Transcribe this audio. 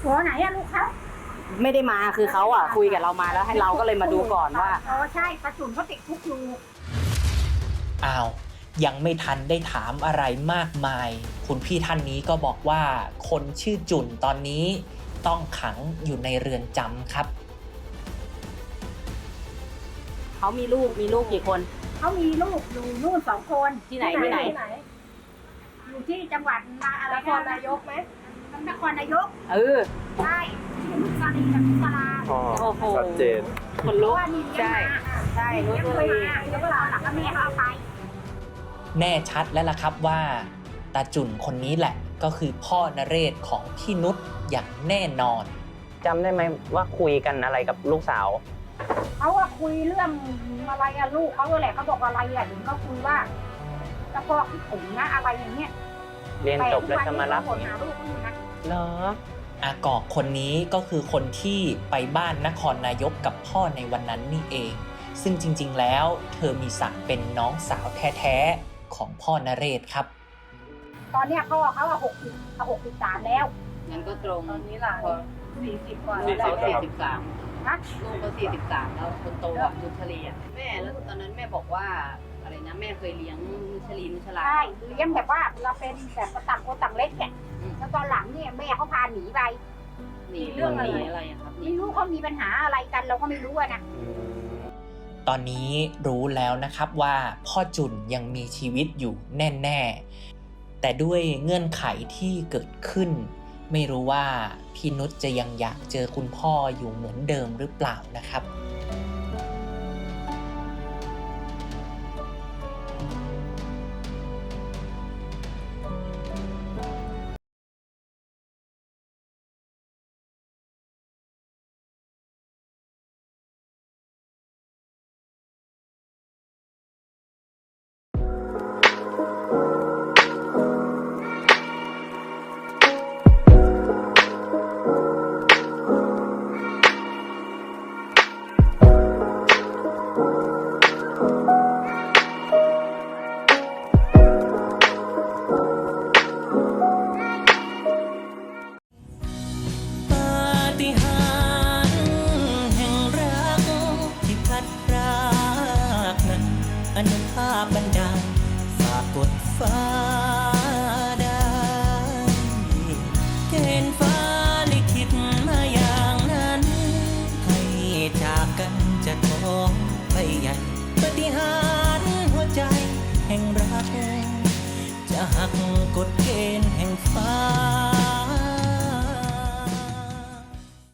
หัวไหนอะลูกเขาไม่ได้มาคือเขาอ่ะคุยกับเรามาแล้วให้เราก็เลยมาดูก่อนว่าอ๋อใช่ตาจุ่นเขาติดคุกอยู่อ้าวยังไม่ทันได้ถามอะไรมากมาย คุณพี่ท่านนี้ก็บอกว่าคนชื่อจุ่นตอนนี้ต้องขังอยู่ในเรือนจำครับเขามีลูกกี่คนเขามีลูกอยู่นู่น2 คนที่ไหนอยู่ที่จังหวัดอะไรนครนายกไหมนครนายก ใช่ที่นุสรีกับนุสราอ๋อโอ้โหชัดเจนคนเพลุราะกว่านี่เลี้ยงมาใช่เลี้ยงนุเคชยรีมาแล้วก็ตอนหลังก็แม่เขาเอาไปแน่ชัดแล้วล่ะครับว่าตาจุ่นคนนี้แหละก็คือพ่อนเรศของพี่นุชอย่างแน่นอนจำได้ไหมว่าคุยกันอะไรกับลูกสาวเขาว่าคุยเรื่องอะไรอะลูกเขาแหละเขาบอกอะไรอะถึงเขาคุยว่าจะพอคิดถึงนะอะไรอย่างเงี้ยเรียนจบแล้วจะมารับแต่ทุกวันนี้เขาบ่นหาลูกเขาอยู่นะเหรออากอกคนนี้ก็คือคนที่ไปบ้านนครนายกกับพ่อในวันนั้นนี่เอง ซึ่งจริงๆแล้วเธอมีศักดิ์เป็นน้องสาวแท้ๆของพ่อนเรศครับตอนเนี้ยพ่อเขาอะ63แล้วงั้นก็ตรงตอนนี้หลาน40 กว่าสี่แล้วสิบได้ครับ 43 นะลูกก็43แล้วคนโตอ่ะนุชรีอ่ะแม่แล้วตอนนั้นแม่บอกว่าอะไรนะแม่เคยเลี้ยงนุชลาใช่เลี้ยงแบบว่าเราเป็นแบบต่างคนต่างเล็กเนี่ยอืมแล้วตอนหลังเนี่ยแม่เขาพาหนีไปหนีเรื่องอะไรอะครับไม่รู้เขามีปัญหาอะไรกันเราก็ไม่รู้อะนะตอนนี้รู้แล้วนะครับว่าพ่อจุ่นยังมีชีวิตอยู่แน่ๆ แต่ด้วยเงื่อนไขที่เกิดขึ้น ไม่รู้ว่าพี่นุชจะยังอยากเจอคุณพ่ออยู่เหมือนเดิมหรือเปล่านะครับ